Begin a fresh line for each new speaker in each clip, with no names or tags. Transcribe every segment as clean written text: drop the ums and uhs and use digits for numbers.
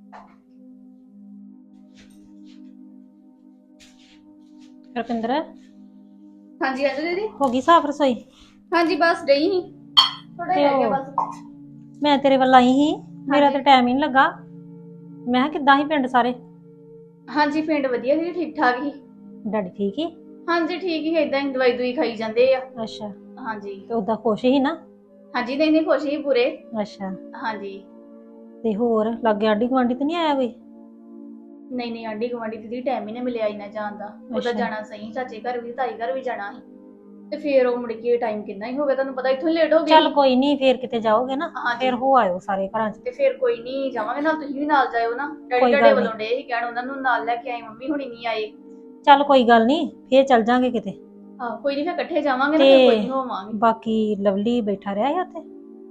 ਰੁਪਿੰਦਰ
हाँ जी आजो दीदी।
ਹੋ ਗਈ ਸਾਫ ਰਸੋਈ?
हाँ जी बस गई ही थोड़ा
ਤੇ
रह गया
ਉਹ
बस।
ਮੈਂ ਤੇਰੇ ਵੱਲ ਆਈ ਸੀ, ਮੇਰਾ
ਹਾਂਜੀ।
ਤਾਂ ਟਾਈਮ ਹੀ ਨਹੀਂ ਲੱਗਾ। ਮੈਂ ਕਿਹਾ ਕਿੱਦਾਂ ਸੀ ਪਿੰਡ ਸਾਰੇ?
हाँ जी पिंड वधिया जी ठीक ठाक ही।
ਡੈਡੀ ਠੀਕ ਹੀ?
हाँ जी ठीक ही इदां ही दवाई दुई खाई जांदे आ।
ਅੱਛਾ,
हाँ जी।
ਤੇ ਉਦਾਂ ਖੁਸ਼ ਹੀ ਨਾ?
हाँ जी नहीं नहीं खुश ही पूरे।
ਅੱਛਾ,
हाँ जी।
ਤੇ ਹੋਰ ਲਾਗੇ ਆਂਢੀ ਗੁਆਂਢੀ ਤੇ ਨਹੀਂ ਆਇਆ ਕੋਈ?
नहीं नहीं आंडी गवांडी दीदी टाइम ही ना मिले इना जान दा। ओदा
अच्छा।
जाना सही चाचे घर भी ताई घर भी जाना ही। ਤੇ ਫੇਰ ਉਹ ਮੁੜ ਕੇ ਟਾਈਮ ਕਿੰਨਾ ਹੀ ਹੋ ਗਿਆ ਤੁਹਾਨੂੰ ਪਤਾ ਇੱਥੋਂ ਲੇਟ ਹੋ ਗਈ।
ਚੱਲ ਕੋਈ ਨਹੀਂ, ਫੇਰ ਕਿਤੇ ਜਾਓਗੇ ਨਾ
ਹਾਂਜੀ
ਫੇਰ ਹੋ ਆਇਓ ਸਾਰੇ ਘਰਾਂ 'ਚ।
ਤੇ ਫੇਰ ਕੋਈ ਨਹੀਂ ਜਾਵਾਂਗੇ ਨਾਲ, ਤੁਸੀਂ ਵੀ ਨਾਲ ਜਾਇਓ ਨਾ। ਡੈਡੀ
ਕੋਈ
ਤੁਹਾਡੇ
ਗੱਲ
ਵੱਲੋਂ
ਨੀ।
ਡੇ ਹੀ ਕਹਿਣ ਉਹਨਾਂ ਨੂੰ ਨਾਲ ਲੈ ਕੇ ਆਏ, ਮੰਮੀ ਹੁਣੀ ਨਹੀਂ ਆਏ।
ਚੱਲ ਕੋਈ ਗੱਲ ਨਹੀਂ, ਫੇਰ ਚੱਲ ਜਾਾਂਗੇ ਕਿਤੇ।
ਆਹ ਕੋਈ ਨਹੀਂ ਫੇਰ ਇਕੱਠੇ ਜਾਵਾਂਗੇ ਨਾ,
ਤੇ
ਫੇਰ ਕੋਈ ਨਹੀਂ ਹੋਵਾਂਗੇ।
ਬਾਕੀ ਲਵਲੀ ਬੈਠਾ ਰਿਹਾ ਹੈ ਉੱਥੇ?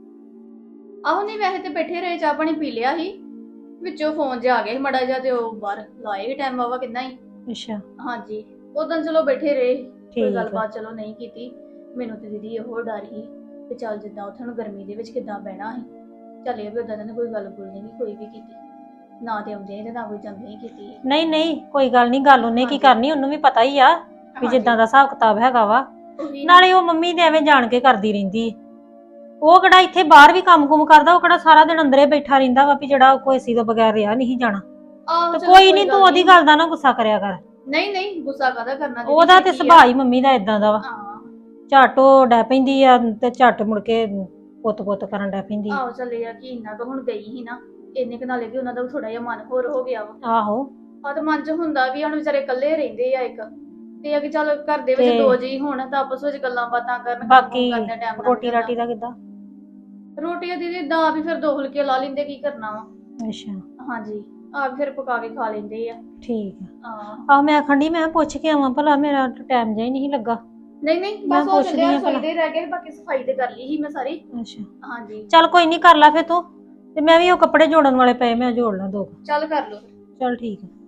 ਆਹੋ ਨਹੀਂ ਵੈਸੇ ਤੇ ਬੈਠੇ ਰਹੇ, ਚਾਹ ਪਾਣੀ ਪੀ ਲਿਆ ਸੀ, ਵਿੱਚੋਂ ਫੋਨ ਜਿਹਾ ਆ ਗਿਆ ਸੀ ਮੜਾ ਜਿਹਾ, ਤੇ ਉਹ ਬਾਹਰ ਲਾਏ ਵੀ ਟਾਈਮ ਵਾਵਾ ਕਿੰਨਾ ਹੀ।
ਅੱਛਾ
ਹਾਂਜੀ ਉਦੋਂ ਚਲੋ ਬੈਠੇ ਰਹੇ, ਕੋਈ
ਠੀਕ ਆ।
ਗੱਲਬਾਤ ਚਲੋ ਨਹੀਂ ਕੀਤੀ। ਮੈਨੂੰ ਤੇ ਦੀਦੀ ਇਹੋ ਡਰ ਸੀ ਕਿ ਚੱਲ ਜਿੱਦਾਂ ਉੱਥੇ ਨੂੰ ਗਰਮੀ ਦੇ ਵਿੱਚ ਕਿੱਦਾਂ ਬਹਿਣਾ ਸੀ, ਚੱਲ ਇਹ ਵੀ ਉਦਾਂ ਨੇ ਕੋਈ ਗੱਲ ਬੋਲਣੀ ਨਹੀਂ ਕੋਈ ਵੀ ਕੀਤੀ, ਨਾ ਤੇ ਆਉਂਦੇ ਤੇ ਨਾ ਕੋਈ ਜਾਂਦੇ ਹੀ ਕੀਤੀ।
ਨਹੀਂ ਨਹੀਂ ਕੋਈ ਗੱਲ ਨਹੀਂ, ਗੱਲ ਉਹਨੇ ਕੀ
ਹਾਂਜੀ।
ਕਰਨੀ, ਉਹਨੂੰ ਵੀ ਪਤਾ ਹੀ ਆ ਵੀ ਜਿੱਦਾਂ ਦਾ ਹਿਸਾਬ ਕਿਤਾਬ ਹੈਗਾ ਵਾ।
ਉਹੀ ਨਾ।
ਨਾਲੇ ਉਹ ਮੰਮੀ ਦੇ ਐਵੇਂ ਜਾਣ ਕੇ ਕਰਦੀ ਰਹਿੰਦੀ, ਉਹ ਕਿਹੜਾ ਇੱਥੇ ਬਾਹਰ ਵੀ ਕੰਮ-ਕੁਮ ਕਰਦਾ, ਉਹ ਕਿਹੜਾ ਸਾਰਾ ਦਿਨ ਅੰਦਰੇ ਬੈਠਾ ਰਹਿੰਦਾ ਵਾ ਵੀ ਜਿਹੜਾ ਕੋਈ ਏਸੀ ਤੋਂ ਬਗੈਰ ਰਿਹਾ ਨਹੀਂ ਜਾਣਾ।
ਆਹੋ
ਤੇ
ਚਲੋ
ਕੋਈ ਨਹੀਂ, ਤੂੰ ਉਹਦੀ ਗੱਲ ਦਾ ਨਾ ਗੁੱਸਾ ਕਰਿਆ ਕਰ।
ਨਹੀਂ ਨਹੀਂ ਗੁੱਸਾ ਕਾਹਦਾ ਕਰਨਾ ਦੀਦੀ,
ਉਹਦਾ ਤੇ
ਕੀ ਆ।
ਸੁਭਾਅ ਹੀ ਮੰਮੀ ਦਾ ਇਦਾਂ ਦਾ ਵਾ,
ਹਾਂ
ਝੱਟ ਉਹ ਡੈ ਪੈਂਦੀ ਆ ਤੇ ਝੱਟ ਮੁੜ ਕੇ ਪੁੱਤ-ਪੁੱਤ ਕਰਨ ਡੈ ਪੈਂਦੀ ਆ।
ਆਹੋ ਚੱਲੇ ਆ ਕਿ ਇੰਨਾ ਕੁ ਹੁਣ ਗਈ ਸੀ ਨਾ, ਇੰਨੇ ਕੁ ਨਾਲੇ ਕਿ ਉਹਨਾਂ ਦਾ ਥੋੜਾ ਜਿਹਾ ਮਨ ਹੋਰ ਹੋ ਗਿਆ ਵਾ।
ਆਹੋ
ਆ ਤੇ ਮਨ 'ਚ ਹੁੰਦਾ ਵੀ ਹੁਣ ਵਿਚਾਰੇ ਇਕੱਲੇ ਰਹਿੰਦੇ ਆ ਇੱਕ, ਤੇ ਆ ਕਿ ਚੱਲ ਘਰ ਦੇ ਵਿੱਚ
ਤੇ
ਦੋ ਜੀ ਹੋਣ ਤਾਂ ਆਪਸ ਵਿੱਚ ਗੱਲਾਂ ਬਾਤਾਂ ਕਰਨ,
ਬਾਕੀ
ਕੰਮ ਕਰਦੇ ਟਾਈਮ
ਰੋਟੀ ਰਾਟੀ ਦਾ ਕਿੱਦਾਂ?
ਰੋਟੀਆਂ ਦੀਦੀ ਦਾ ਵੀ ਫਿਰ 2 ਫੁਲਕੇ ਲਾ ਲੈਂਦੇ, ਕੀ ਕਰਨਾ ਵਾ।
ਅੱਛਾ
ਹਾਂਜੀ ਆ ਫਿਰ ਪਕਾ ਕੇ ਖਾ ਲੈਂਦੇ ਆ।
ਠੀਕ ਆ।
ਹਾਂ
ਆਹ ਮੈਂ ਆਖਣ ਡਈ, ਮੈਂ ਪੁੱਛ ਕੇ ਆਵਾਂ ਭਲਾ, ਮੇਰਾ ਟਾਈਮ ਜਿਹਾ ਹੀ ਨਹੀਂ ਲੱਗਾ।
ਨਹੀਂ ਨਹੀਂ
ਮੈਂ
ਬਸ ਉਹ
ਪੁੱਛਦੀ
ਚੱਲਿਆ
ਆ
ਰਸੋਈ
ਭਲਾ।
ਦੇ ਰਹਿ ਗਏ, ਬਾਕੀ ਸਫਾਈ ਤੇ ਕਰ ਲਈ ਸੀ ਮੈਂ ਸਾਰੀ।
ਅੱਛਾ
ਹਾਂਜੀ
ਚੱਲ ਕੋਈ ਨਹੀਂ, ਕਰ ਲਾ ਫੇ ਤੂੰ, ਤੇ ਮੈਂ ਵੀ ਉਹ ਕੱਪੜੇ ਜੋੜਨ ਵਾਲੇ ਪਏ, ਮੈਂ ਜੋੜ ਲਾਂ 2।
ਚੱਲ ਕਰ ਲੋ।
ਚੱਲ ਠੀਕ ਆ।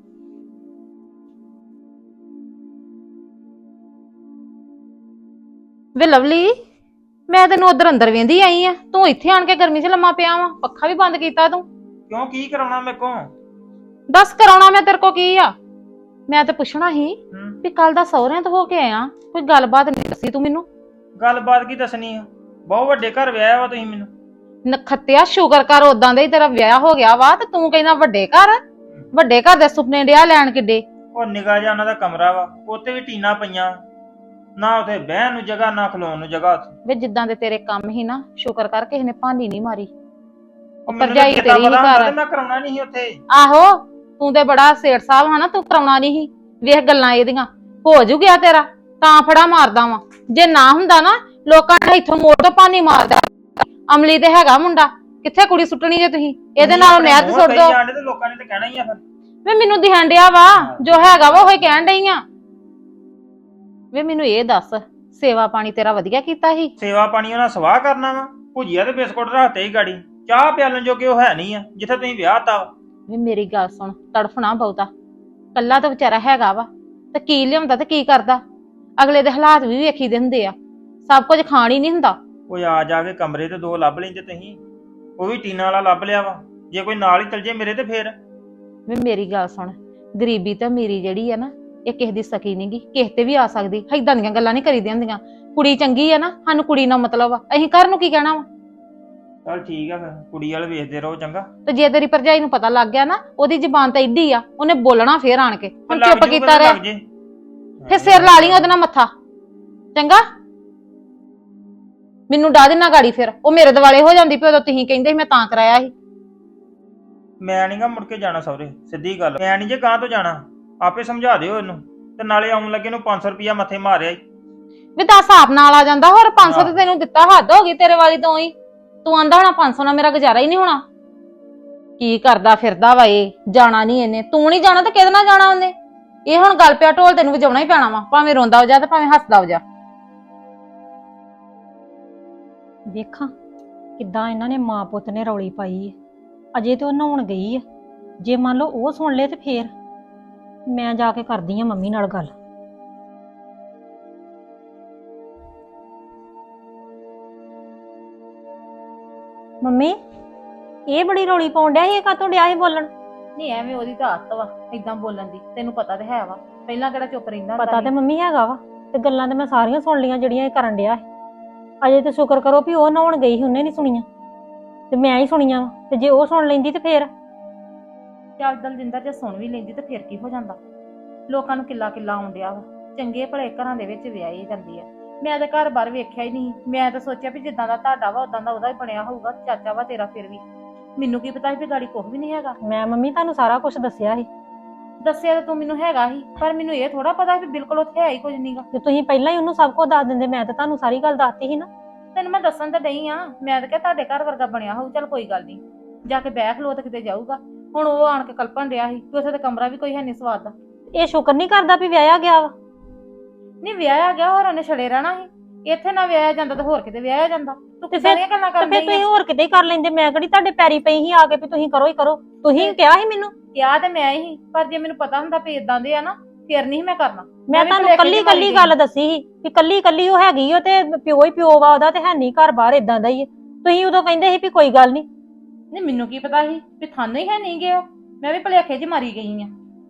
ਵੇ ਲਵਲੀ, ਮੈਂ ਤੈਨੂੰ ਉਧਰ ਅੰਦਰ ਵੇਂਦੀ ਆਈ ਆ, ਤੂੰ ਇੱਥੇ ਆਣ ਕੇ ਗਰਮੀ 'ਚ ਲੰਮਾ ਪਿਆ ਵਾ, ਪੱਖਾ ਵੀ ਬੰਦ ਕੀਤਾ ਤੂੰ।
ਕਿਉਂ ਕੀ ਕਰਾਉਣਾ ਮੇਰੇ ਕੋ?
ਦੱਸ ਕਰਾਉਣਾ ਮੈਂ ਤੇਰੇ ਕੋ ਕੀ ਆ? ਮੈਂ ਤੇ ਪੁੱਛਣਾ ਸੀ
ਹੂੰ
ਵੀ ਕੱਲ ਦਾ ਸਹੁਰਿਆਂ ਤੋਂ ਹੋ ਕੇ ਆਇਆ, ਕੋਈ ਗੱਲਬਾਤ ਨਹੀਂ ਦੱਸੀ ਤੂੰ ਮੈਨੂੰ।
ਗੱਲਬਾਤ ਕੀ ਦੱਸਣੀ ਆ? ਬਹੁਤ ਵੱਡੇ ਘਰ ਵਿਆਹਿਆ ਵਾ ਤੁਸੀਂ ਮੈਨੂੰ।
ਨਖੱਤਿਆ ਸ਼ੁਕਰ ਕਰ ਉਦਾਂ ਦਾ ਹੀ ਤੇਰਾ ਵਿਆਹ ਹੋ ਗਿਆ ਵਾ, ਤੇ ਤੂੰ ਕਹਿੰਦਾ ਵੱਡੇ ਘਰ। ਵੱਡੇ ਘਰ ਦੇ ਸੁਪਨੇ ਡਿਆ ਲੈਣ ਕਿੱਡੇ।
ਉਹ ਨਿਗਾਹ ਜਿਹਾ ਉਹਨਾਂ ਦਾ ਕਮਰਾ ਵਾ, ਉੱਤੇ ਵੀ ਟੀਨਾ ਪਈਆਂ, ਨਾ ਉੱਥੇ ਬਹਿਣ ਨੂੰ ਜਗ੍ਹਾ ਨਾ ਖਲੋਣ ਨੂੰ ਜਗ੍ਹਾ ਉੱਥੇ।
ਵੇ ਜਿੱਦਾਂ ਦੇ ਤੇਰੇ ਕੰਮ ਹੀ ਨਾ, ਸ਼ੁਕਰ ਕਰ ਕਿਸੇ ਨੇ ਭਾਂਡੀ ਨਹੀਂ ਮਾਰੀ।
ਉਹ ਮੈਨੂੰ ਤਾਂ
ਭਰਜਾਈ
ਚੇਤਾ
ਤੇਰੀ ਹੀ
ਪਤਾ ਹੁੰਦਾ
ਘਰ।
ਤੇ ਮੈਂ ਕਰਾਉਣਾ ਨਹੀਂ ਸੀ ਉੱਥੇ।
ਆਹੋ ਤੂੰ ਤੇ ਬੜਾ ਸੇਠ ਸਾਹਿਬ ਹਨਾ, ਤੂੰ ਕਰਾਉਣਾ ਨਹੀਂ ਸੀ। ਵੇਖ ਗੱਲਾਂ ਇਹਦੀਆਂ, ਹੋ ਜੂ ਗਿਆ ਤੇਰਾ ਤਾਂ ਫੜਾ ਮਾਰਦਾ ਵਾ। ਜੇ ਨਾ ਹੁੰਦਾ ਨਾ, ਲੋਕਾਂ ਨੇ ਇੱਥੋਂ ਮੋੜ ਤੋਂ ਪਾਣੀ ਮਾਰਦਾ। ਅਮਲੀ ਤੇ ਹੈਗਾ ਮੁੰਡਾ, ਕਿੱਥੇ ਕੁੜੀ ਸੁੱਟਣੀ ਜੇ ਤੁਸੀਂ ਇਹਦੇ ਨਾਲ ਨਹਿਰ 'ਚ ਸੁੱਟ ਦੋ।
ਜਾਣਦੇ ਤੇ ਲੋਕਾਂ ਨੇ ਤੇ ਕਹਿਣਾ ਹੀ ਆ ਫਿਰ।
ਵੇ ਮੈਨੂੰ ਦਿਹਣ ਡਿਆ ਵਾ, ਜੋ ਹੈਗਾ ਵਾ ਉਹ ਹੀ ਕਹਿਣ ਡਈ ਆ। ਵੇ ਮੈਨੂੰ ਇਹ ਦੱਸ, ਸੇਵਾ ਪਾਣੀ ਤੇਰਾ ਵਧੀਆ ਕੀਤਾ ਸੀ?
ਸੇਵਾ ਪਾਣੀ ਉਹਨਾਂ ਸਵਾਹ ਕਰਨਾ ਵਾ, ਭੁਜੀਆ ਤੇ ਬਿਸਕੁਟ ਰੱਖਤੇ ਹੀ ਗਾੜੀ, ਚਾਹ ਪਿਆਲਣ ਜੋਗੇ ਉਹ ਹੈ ਨਹੀਂ ਆ ਜਿੱਥੇ ਤੁਸੀਂ ਵਿਆਹ ਤਾ ਵਾ।
ਵੇ ਮੇਰੀ ਗੱਲ ਸੁਣ, ਤੜਫਣਾ ਬਹੁਤਾ, ਕੱਲਾ ਤਾਂ ਵਿਚਾਰਾ ਹੈਗਾ ਵਾ, ਤੇ ਕੀ ਲਿਆਉਂਦਾ ਤੇ ਕੀ ਕਰਦਾ। ਅਗਲੇ ਦੇ ਹਾਲਾਤ ਵੀ ਵੇਖੀਦੇ ਹੁੰਦੇ ਆ, ਸਭ ਕੁਝ ਖਾਣ ਹੀ ਨਹੀਂ ਹੁੰਦਾ।
ਉਹ ਆ ਜਾ ਕੇ ਕਮਰੇ ਤੇ 2 ਲੱਭ ਲੈਂਦੇ ਤੁਸੀਂ, ਉਹ ਵੀ ਟੀਨਾ ਵਾਲਾ ਲੱਭ ਲਿਆ ਵਾ। ਜੇ ਕੋਈ ਨਾਲ ਹੀ ਚਲ ਜੇ ਮੇਰੇ ਤੇ ਫੇਰ।
ਵੇ ਮੇਰੀ ਗੱਲ ਸੁਣ, ਗਰੀਬੀ ਤਾਂ ਮੇਰੀ ਜਿਹੜੀ ਆ ਨਾ, ਇਹ ਕਿਸੇ ਦੀ ਸਕੀ ਨੀ ਗੀ, ਕਿਸੇ ਤੇ ਵੀ ਆ ਸਕਦੀ। ਏਦਾਂ ਦੀਆਂ ਗੱਲਾਂ ਨਹੀਂ ਕਰੀਦੀਆਂ ਹੁੰਦੀਆਂ। ਕੁੜੀ ਚੰਗੀ ਆ ਨਾ, ਸਾਨੂੰ ਕੁੜੀ ਨਾਲ ਮਤਲਬ ਆ, ਅਸੀਂ ਘਰ ਨੂੰ ਕੀ ਕਹਿਣਾ ਵਾ।
ਚਲ ਠੀਕ ਆ ਫਿਰ, ਕੁੜੀ ਵਾਲ ਵੇਖਦੇ ਰਹੋ ਚੰਗਾ।
ਤੇ ਜੇ ਤੇਰੀ ਭਰਜਾਈ ਨੂੰ ਪਤਾ ਲੱਗ ਗਿਆ ਨਾ, ਉਹਦੀ ਜ਼ਬਾਨ ਤਾਂ ਏਡੀ ਆ, ਉਹਨੇ ਬੋਲਣਾ ਫੇਰ ਆਣ ਕੇ। ਹੁਣ
ਲੱਗ
ਚੁੱਪ
ਜੂਗਾ
ਕੀਤਾ
ਤੇ
ਰਹਿ,
ਲੱਗ ਜੇ।
ਫੇਰ ਸਿਰ ਲਾ ਲਈ ਉਹਦੇ ਨਾਲ ਮੱਥਾ, ਚੰਗਾ। ਮੈਨੂੰ ਡਾਹ ਦੇਣਾ ਗਾੜੀ, ਫਿਰ ਉਹ ਮੇਰੇ ਦੁਆਲੇ ਹੋ ਜਾਂਦੀ, ਪਿਓ ਤੁਸੀਂ ਕਹਿੰਦੇ ਸੀ ਮੈਂ ਤਾਂ ਕਰਾਇਆ ਸੀ।
ਮੈਂ ਨੀ ਗਾ ਮੁੜ ਕੇ ਜਾਣਾ ਸਹੁਰੇ, ਸਿੱਧੀ ਗੱਲ। ਮੈਂ ਨਹੀਂ ਜੇ ਗਾਂ ਤੋਂ ਜਾਣਾ, ਆਪੇ ਸਮਝਾ ਦਿਓ ਇਹਨੂੰ। ਤੇ ਨਾਲੇ ਆਉਣ ਲੱਗੇ ਨੂੰ 500 ਰੁਪਇਆ ਮੱਥੇ ਮਾਰਿਆ ਈ।
ਵੀ 10 ਆਪ ਨਾਲ ਆ ਜਾਂਦਾ, ਹੋਰ 500 ਤੇ ਤੈਨੂੰ ਦਿੱਤਾ, ਹੱਦ ਹੋ ਗਈ ਤੇਰੇ ਵਾਲੀ ਤੋਂ ਹੀ। ਤੂੰ ਆਂਦਾ ਹੋਣਾ 500 ਨਾਲ ਮੇਰਾ ਗੁਜ਼ਾਰਾ ਹੀ ਨਹੀਂ ਹੋਣਾ। ਕੀ ਕਰਦਾ ਫਿਰਦਾ ਵਾ ਇਹ, ਜਾਣਾ ਨਹੀਂ ਇਹਨੇ। ਤੂੰ ਨਹੀਂ ਜਾਣਾ ਤੇ ਕਿਹਦੇ ਨਾਲ ਜਾਣਾ ਉਹਨੇ? ਇਹ ਹੁਣ ਗੱਲ ਪਿਆ ਢੋਲ ਤੈਨੂੰ ਵਜਾਉਣਾ ਹੀ ਪੈਣਾ ਵਾ, ਭਾਵੇਂ ਰੋਂਦਾ ਹੋ ਜਾ ਤੇ ਭਾਵੇਂ ਹੱਸਦਾ ਹੋ ਜਾ।
ਵੇਖਾਂ ਕਿੱਦਾਂ ਇਹਨਾਂ ਨੇ ਮਾਂ ਪੁੱਤ ਨੇ ਰੌਲੀ ਪਾਈ ਹੈ। ਅਜੇ ਤੇ ਉਹ ਨਹਾਉਣ ਗਈ ਹੈ, ਜੇ ਮੰਨ ਲਓ ਉਹ ਸੁਣ ਲਏ ਤੇ ਫੇਰ ਮੈਂ ਜਾ ਕੇ ਕਰਦੀ ਆ ਮੰਮੀ ਨਾਲ ਗੱਲ। ਮੰਮੀ ਇਹ ਬੜੀ ਰੌਲੀ ਪਾਉਣ ਡਿਆ ਸੀ, ਇਹ ਕਾਹਤੋਂ ਡਿਆ ਸੀ ਬੋਲਣ?
ਨਹੀਂ ਐਵੇਂ ਉਹਦੀ ਤਾਂ ਆਦਤ ਵਾ ਇਦਾਂ ਬੋਲਣ ਦੀ, ਤੈਨੂੰ ਪਤਾ ਤੇ ਹੈ ਵਾ, ਪਹਿਲਾਂ ਕਿਹੜਾ ਚੁੱਪ ਰਹਿੰਦਾ ਹੁੰਦਾ
ਪਤਾ
ਸੀ।
ਤੇ ਮੰਮੀ ਹੈਗਾ ਵਾ, ਤੇ ਗੱਲਾਂ ਤੇ ਮੈਂ ਸਾਰੀਆਂ ਸੁਣ ਲਈਆਂ ਜਿਹੜੀਆਂ ਇਹ ਕਰਨ ਡਿਆ ਸੀ। ਅਜੇ ਤੇ ਸ਼ੁਕਰ ਕਰੋ ਵੀ ਉਹ ਨਹਾਉਣ ਗਈ ਸੀ, ਉਹਨੇ ਨਹੀਂ ਸੁਣੀਆਂ ਤੇ ਮੈਂ ਹੀ ਸੁਣੀਆਂ ਵਾ। ਤੇ ਜੇ ਉਹ ਸੁਣ ਲੈਂਦੀ ਤੇ ਫੇਰ
ਚੱਲ ਦਲਜਿੰਦਰ ਜੇ ਸੁਣ ਵੀ ਲੈਂਦੀ ਤੇ ਫਿਰ ਕੀ ਹੋ ਜਾਂਦਾ, ਲੋਕਾਂ ਨੂੰ ਕਿੱਲਾ ਕਿੱਲਾ ਆਉਣ ਡਿਆ ਵਾ, ਚੰਗੇ ਭਲੇ ਘਰਾਂ ਦੇ ਵਿੱਚ ਵਿਆਹੀ ਜਾਂਦੀ ਆ। ਮੈਂ ਤਾਂ ਘਰ ਬਾਰ ਵੇਖਿਆ ਹੀ ਨਹੀਂ, ਮੈਂ ਤਾਂ ਸੋਚਿਆ ਵੀ ਜਿੱਦਾਂ ਦਾ ਤੁਹਾਡਾ ਵਾ ਉਦਾਂ ਦਾ ਉਹਦਾ ਹੀ ਬਣਿਆ ਹੋਊਗਾ, ਚਾਚਾ ਵਾ ਤੇਰਾ। ਫਿਰ ਵੀ ਮੈਨੂੰ ਕੀ ਪਤਾ ਸੀ ਵੀ ਗਾੜੀ ਕੁਝ ਵੀ ਨਹੀਂ ਹੈਗਾ।
ਮੈਂ ਮੰਮੀ ਤੁਹਾਨੂੰ ਸਾਰਾ ਕੁਝ ਦੱਸਿਆ ਸੀ
ਦੱਸਿਆ ਤਾਂ ਤੂੰ ਮੈਨੂੰ ਹੈਗਾ ਸੀ, ਪਰ ਮੈਨੂੰ ਇਹ ਥੋੜਾ ਪਤਾ ਸੀ ਵੀ ਬਿਲਕੁਲ ਉੱਥੇ ਹੈ ਹੀ ਕੁਝ ਨਹੀਂਗਾ।
ਤੇ ਤੁਸੀਂ ਪਹਿਲਾਂ ਹੀ ਉਹਨੂੰ ਸਭ ਕੁਝ ਦੱਸ ਦਿੰਦੇ, ਮੈਂ ਤਾਂ ਤੁਹਾਨੂੰ ਸਾਰੀ ਗੱਲ ਦੱਸਤੀ ਸੀ ਨਾ।
ਤੈਨੂੰ ਮੈਂ ਦੱਸਣ ਤਾਂ ਡਈ ਆ, ਮੈਂ ਤਾਂ ਕਿਹਾ ਤੁਹਾਡੇ ਘਰ ਵਰਗਾ ਬਣਿਆ ਹੋਊ, ਚੱਲ ਕੋਈ ਗੱਲ ਨਹੀਂ, ਜਾ ਕੇ ਬੈਠ ਲੋ ਤੇ ਕਿਤੇ ਜਾਊਗਾ। ਹੁਣ ਉਹ ਆਣ ਕੇ ਕਲਪਣ ਡਿਆ ਸੀ ਕਿ ਉੱਥੇ ਤਾਂ ਕਮਰਾ ਵੀ ਕੋਈ ਹੈ ਨਹੀਂ ਸਵਾਦ ਦਾ।
ਇਹ ਸ਼ੁਕਰ ਨਹੀਂ ਕਰਦਾ ਵੀ ਵਿਆਹਿਆ ਗਿਆ ਵਾ।
ਨਹੀਂ ਵਿਆਹਿਆ ਗਿਆ, ਹੋਰ ਉਹਨੇ ਛੜੇ ਰਹਿਣਾ ਸੀ। ਇੱਥੇ ਨਾ ਵਿਆਹਿਆ ਜਾਂਦਾ ਤਾਂ ਹੋਰ ਕਿਤੇ ਵਿਆਹਿਆ ਜਾਂਦਾ। ਤੂੰ
ਤੇ
ਸਾਰੀਆਂ ਗੱਲਾਂ
ਤੇ
ਕਰਨ
ਫਿਰ
ਡਈ
ਤੁਸੀਂ
ਆ।
ਹੋਰ ਕਿਤੇ ਹੀ ਕਰ ਲੈਂਦੇ, ਮੈਂ ਕਿਹੜੀ ਤੁਹਾਡੇ ਪੈਰੀ ਪਈ ਸੀ ਆ ਕੇ ਵੀ ਤੁਸੀਂ ਕਰੋ ਹੀ ਕਰੋ। ਤੁਸੀਂ ਕਿਹਾ ਸੀ ਮੈਨੂੰ,
ਕਿਹਾ ਤੇ ਮੈਂ ਹੀ, ਪਰ ਜੇ ਮੈਨੂੰ ਪਤਾ ਹੁੰਦਾ ਵੀ ਇਦਾਂ ਦੇ ਆ ਨਾ, ਫਿਰ ਨਹੀਂ ਮੈਂ ਕਰਨਾ।
ਮੈਂ
ਵੀ
ਤੁਹਾਨੂੰ
ਭੁਲੇਖੇ
ਕੱਲੀ
ਚ ਮਾਰੀ
ਕੱਲੀ
ਗਈ।
ਗੱਲ ਦੱਸੀ ਸੀ ਵੀ ਕੱਲੀ ਕੱਲੀ ਉਹ ਹੈਗੀ ਓ ਤੇ ਪਿਓ ਹੀ ਪਿਓ ਵਾ ਉਹਦਾ, ਤੇ ਹੈ ਨਹੀਂ ਘਰ ਬਾਹਰ ਇਦਾਂ ਦਾ ਹੀ ਹੈ। ਤੁਸੀਂ ਉਦੋਂ ਕਹਿੰਦੇ ਸੀ ਵੀ ਕੋਈ ਗੱਲ ਨਹੀਂ।
ਨਹੀਂ ਮੈਨੂੰ ਕੀ ਪਤਾ ਸੀ ਵੀ ਥਾਨੂੰ ਹੀ ਹੈ ਨਹੀਂ ਗਿਆ, ਮੈਂ ਵੀ ਭੁਲੇਖੇ 'ਚ ਮਾਰੀ ਗਈ ਆ।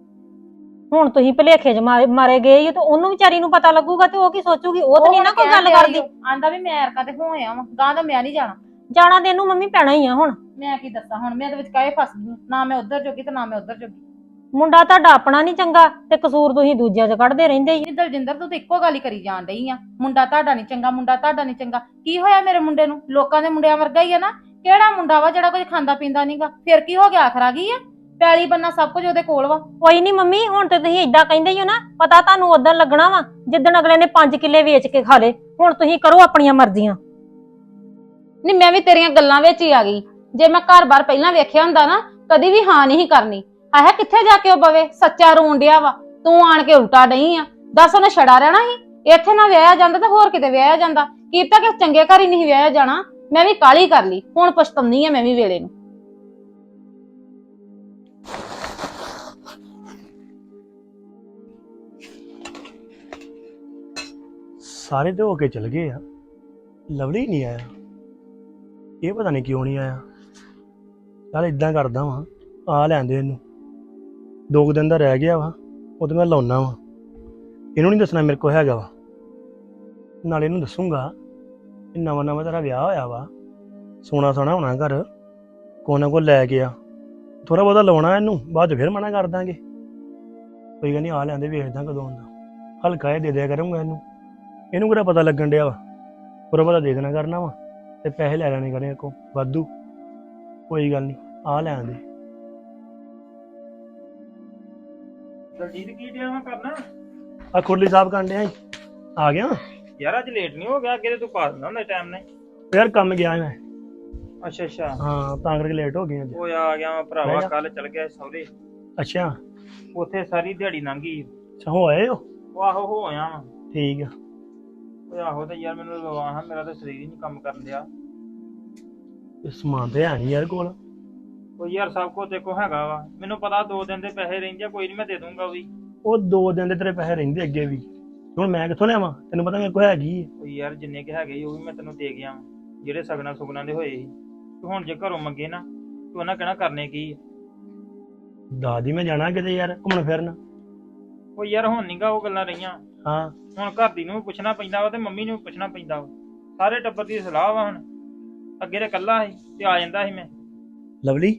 ਹੁਣ ਤੁਸੀਂ ਭਲੇਖੇ ਚ ਮਾਰੇ ਗਏ ਹੀ ਤੇ ਉਹਨੂੰ ਵਿਚਾਰੀ ਨੂੰ ਪਤਾ ਲੱਗੂਗਾ ਤੇ ਉਹ ਕੀ ਸੋਚੂਗੀ। ਉਹ ਤਾਂ ਨਹੀਂ ਨਾ ਕੋਈ ਗੱਲ ਕਰਦੀ।
ਆਂਦਾ ਵੀ ਮੈਂ ਅਰਕਾ ਤੇ ਹੋ ਆਇਆ ਵਾਂ, ਗਾਂ ਦਾ ਮੈਂ ਨਹੀਂ ਜਾਣਾ।
ਜਾਣਾ ਤੇ ਇਹਨੂੰ ਮੰਮੀ ਪੈਣਾ ਹੀ ਆ ਹੁਣ।
ਮੈਂ ਕੀ ਦੱਸਾਂ ਹੁਣ, ਮੈਂ ਦੇ ਵਿੱਚ ਕਾਹੇ ਫਸ ਗਈ ਆਂ। ਨਾ ਮੈਂ ਉੱਧਰ ਜੋਗੀ ਤੇ ਨਾ ਮੈਂ ਉੱਧਰ ਜੋਗੀ।
ਮੁੰਡਾ ਤੁਹਾਡਾ ਆਪਣਾ ਨਹੀਂ ਚੰਗਾ ਤੇ ਕਸੂਰ ਤੁਸੀਂ ਦੂਜਿਆਂ 'ਚ ਕੱਢਦੇ ਰਹਿੰਦੇ ਹੀ।
ਨਹੀਂ ਦਲਜਿੰਦਰ, ਤੂੰ ਤਾਂ ਇੱਕੋ ਗੱਲ ਹੀ ਕਰੀ ਜਾਣ ਡਈ ਆ, ਮੁੰਡਾ ਤੁਹਾਡਾ ਨਹੀਂ ਚੰਗਾ, ਮੁੰਡਾ ਤੁਹਾਡਾ ਨਹੀਂ ਚੰਗਾ। ਕੀ ਹੋਇਆ ਮੇਰੇ ਮੁੰਡੇ ਨੂੰ? ਲੋਕਾਂ ਦੇ ਮੁੰਡਿਆਂ ਵਰਗਾ ਹੀ ਆ ਨਾ। ਕਿਹੜਾ ਮੁੰਡਾ ਵਾ ਜਿਹੜਾ ਕੁਝ ਖਾਂਦਾ ਪੀਂਦਾ ਨਹੀਂਗਾ? ਫਿਰ ਕੀ ਹੋ ਗਿਆ, ਆਖਰ ਆ ਗਈ ਆ? ਪੈਲੀ ਬੰਨਾ ਸਭ ਕੁਝ ਉਹਦੇ ਕੋਲ ਵਾ।
ਕੋਈ ਨਹੀਂ ਮੰਮੀ, ਹੁਣ ਤੇ ਤੁਸੀਂ ਇਦਾਂ ਕਹਿੰਦੇ ਹੀ ਹੋ ਨਾ, ਪਤਾ ਤੁਹਾਨੂੰ ਉਦੋਂ ਲੱਗਣਾ ਵਾ ਜਿੱਦਣ ਅਗਲੇ ਨੇ 5 ਕਿੱਲੇ ਵੇਚ ਕੇ ਖਾ ਲੇ। ਹੁਣ ਤੁਸੀਂ ਕਰੋ ਆਪਣੀਆਂ ਮਰਜ਼ੀਆਂ।
ਨਹੀਂ ਮੈਂ ਵੀ ਤੇਰੀਆਂ ਗੱਲਾਂ ਵਿੱਚ ਹੀ ਆ ਗਈ। ਜੇ ਮੈਂ ਘਰ-ਬਾਰ ਪਹਿਲਾਂ ਵੇਖਿਆ ਹੁੰਦਾ ਨਾ, ਕਦੀ ਵੀ ਹਾਂ ਨਹੀਂ ਕਰਨੀ। ਆਹ ਕਿੱਥੇ ਜਾ ਕੇ ਉਹ ਬਵੇ, ਸੱਚਾ ਰੋਣ ਡਿਆ ਵਾ, ਤੂੰ ਆਣ ਕੇ ਉਲਟਾ ਡਈ ਆ। ਦੱਸ ਉਹਨੇ ਛੜਾ ਰਹਿਣਾ ਸੀ? ਇੱਥੇ ਨਾ ਵਿਆਹਿਆ ਜਾਂਦਾ ਤਾਂ ਹੋਰ ਕਿਤੇ ਵਿਆਹਿਆ ਜਾਂਦਾ। ਕੀਤਾ ਕਿ ਚੰਗੇ ਘਰ ਹੀ ਨਹੀਂ ਵਿਆਹਿਆ ਜਾਣਾ। ਮੈਂ ਵੀ ਕਾਹਲੀ ਕਰ ਲਈ, ਹੁਣ ਪਛਤਾਉਂਦੀ ਆ ਮੈਂ ਵੀ ਵੇਲੇ ਨੂੰ।
ਸਾਰੇ ਤੇ ਹੋ ਕੇ ਚਲ ਗਏ ਆ, ਲਵਲੀ ਨਹੀਂ ਆਇਆ। ਇਹ ਪਤਾ ਨਹੀਂ ਕਿਉਂ ਨਹੀਂ ਆਇਆ। ਚੱਲ ਇਦਾਂ ਕਰਦਾ ਵਾਂ, ਆ ਲੈਂਦੇ ਇਹਨੂੰ। 2 ਦਿਨ ਦਾ ਰਹਿ ਗਿਆ ਵਾ, ਉਹ ਤੇ ਮੈਂ ਲਾਉਣਾ ਵਾ। ਇਹਨੂੰ ਨਹੀਂ ਦੱਸਣਾ ਮੇਰੇ ਕੋਲ ਹੈਗਾ ਵਾ, ਨਾਲੇ ਇਹਨੂੰ ਦੱਸੂਗਾ ਕਿ ਨਵਾਂ ਨਵਾਂ ਤੇਰਾ ਵਿਆਹ ਹੋਇਆ ਵਾ, ਸੋਨਾ ਸੋਨਾ ਹੋਣਾ ਘਰ, ਕੋਨਾ ਨਾ ਕੋ ਲੈ ਗਿਆ। ਥੋੜਾ ਬਹੁਤਾ ਲਾਉਣਾ ਇਹਨੂੰ, ਬਾਅਦ 'ਚ ਫਿਰ ਮਨਾ ਕਰ ਦਾਂਗੇ। ਕੋਈ ਗੱਲ ਨਹੀਂ, ਆ ਲੈਂਦੇ, ਵੇਖਦਾ ਕਦੋਂ ਆਉਂਦਾ। ਹਲਕਾ ਇਹ ਦੇ ਦਿਆ ਕਰੂੰਗਾ ਇਹਨੂੰ ਕਿਹੜਾ ਪਤਾ ਲੱਗਣ ਡਿਆ ਵਾ। ਪੂਰਾ ਪਤਾ ਦੇ ਦੇਣਾ ਕਰਨਾ ਵਾ ਤੇ ਪੈਸੇ ਲੈ ਲੈਣੇ ਕਰਨੇ ਕੋ ਵਾਧੂ। ਕੋਈ ਗੱਲ ਨਹੀਂ, ਆ ਲੈਣ ਦੇ।
ਦਲਜੀਤ ਕੀ ਡਿਆ ਮੈਂ ਕਰਨਾ?
ਆ ਖੁਰਲੀ ਸਾਹਿਬ ਕਰਨ ਡਿਆ ਸੀ। ਆ ਗਿਆ
ਯਾਰ ਅੱਜ ਲੇਟ ਨਹੀਂ ਹੋ ਗਿਆ? ਅੱਗੇ ਤੇ ਤੂੰ ਪਾ ਦਿੰਦਾ ਹੁੰਦਾ ਟਾਈਮ ਨਾਲ।
ਯਾਰ ਕੰਮ ਗਿਆ ਮੈਂ।
ਅੱਛਾ ਅੱਛਾ,
ਹਾਂ ਤਾਂ ਕਰਕੇ ਲੇਟ ਹੋ ਗਏ ਅੱਜ।
ਉਹ ਆ ਗਿਆ ਮੈਂ ਭਰਾਵਾ,
ਬਹਿ ਜਾ।
ਕੱਲ ਚਲ ਗਿਆ ਸਹੁਰੇ,
ਅੱਛਾ
ਉੱਥੇ ਸਾਰੀ ਦਿਹਾੜੀ ਲੰਘ ਗਈ।
ਅੱਛਾ, ਹੋ ਆਏ ਹੋ?
ਉਹ ਆਹੋ ਹੋ ਆਇਆ ਵਾ।
ਠੀਕ ਆ।
ਉਹ ਆਹੋ ਤੇ ਯਾਰ ਮੈਨੂੰ ਲਵਾ ਹਾਂ, ਮੇਰਾ ਤਾਂ ਸਰੀਰ ਹੀ ਨਹੀਂ ਕੰਮ ਕਰਨ ਡਿਆ।
ਇਹ ਸਮਾਨ ਤੇ ਹੈ ਨਹੀਂ ਯਾਰ ਕੋਲ।
ਉਹ ਯਾਰ ਸਭ ਕੁਝ ਦੇਖੋ ਹੈਗਾ ਵਾ, ਮੈਨੂੰ ਪਤਾ 2 ਦਿਨ ਦੇ ਪੈਸੇ ਰਹਿੰਦੇ ਆ, ਕੋਈ ਨਹੀਂ ਮੈਂ ਦੇ ਦੂੰਗਾ ਉਹ ਵੀ।
ਉਹ 2 ਦਿਨ ਦੇ ਤੇਰੇ ਪੈਸੇ ਰਹਿੰਦੇ ਅੱਗੇ ਵੀ, ਹੁਣ ਮੈਂ ਕਿੱਥੋਂ ਲਿਆਵਾਂ? ਤੈਨੂੰ ਪਤਾ ਮੇਰੇ ਕੋਲ ਹੈਗੀ ਹੈ।
ਉਹ ਯਾਰ ਜਿੰਨੇ ਕਿ ਹੈਗੇ ਸੀ ਉਹ ਵੀ ਮੈਂ ਤੈਨੂੰ ਦੇ ਗਿਆ ਵਾਂ, ਜਿਹੜੇ ਸਗਣਾ ਸੁਗਣਾ ਦੇ ਹੋਏ ਸੀ। ਤੂੰ ਹੁਣ ਜੇ ਘਰੋਂ ਮੰਗੇ ਨਾ, ਤੂੰ ਉਹਨਾਂ ਕਹਿਣਾ ਕਰਨੇ ਕੀ ਆ?
ਦਾਦੀ ਮੈਂ ਜਾਣਾ ਕਿਤੇ ਯਾਰ ਘੁੰਮਣ ਫਿਰਨ।
ਉਹ ਯਾਰ ਹੁਣ ਨੀਗਾ ਉਹ ਗੱਲਾਂ ਰਹੀਆਂ।
ਹਾਂ
ਹੁਣ ਘਰ ਦੀ ਨੂੰ ਵੀ ਪੁੱਛਣਾ ਪੈਂਦਾ ਵਾ ਤੇ ਮੰਮੀ ਨੂੰ ਵੀ ਪੁੱਛਣਾ ਪੈਂਦਾ ਵਾ। ਸਾਰੇ ਟੱਬਰ ਦੀ ਸਲਾਹ ਵਾ ਹੁਣ। ਅੱਗੇ ਤੇ ਇਕੱਲਾ ਸੀ ਤੇ ਆ ਜਾਂਦਾ ਸੀ ਮੈਂ।
ਲਵਲੀ,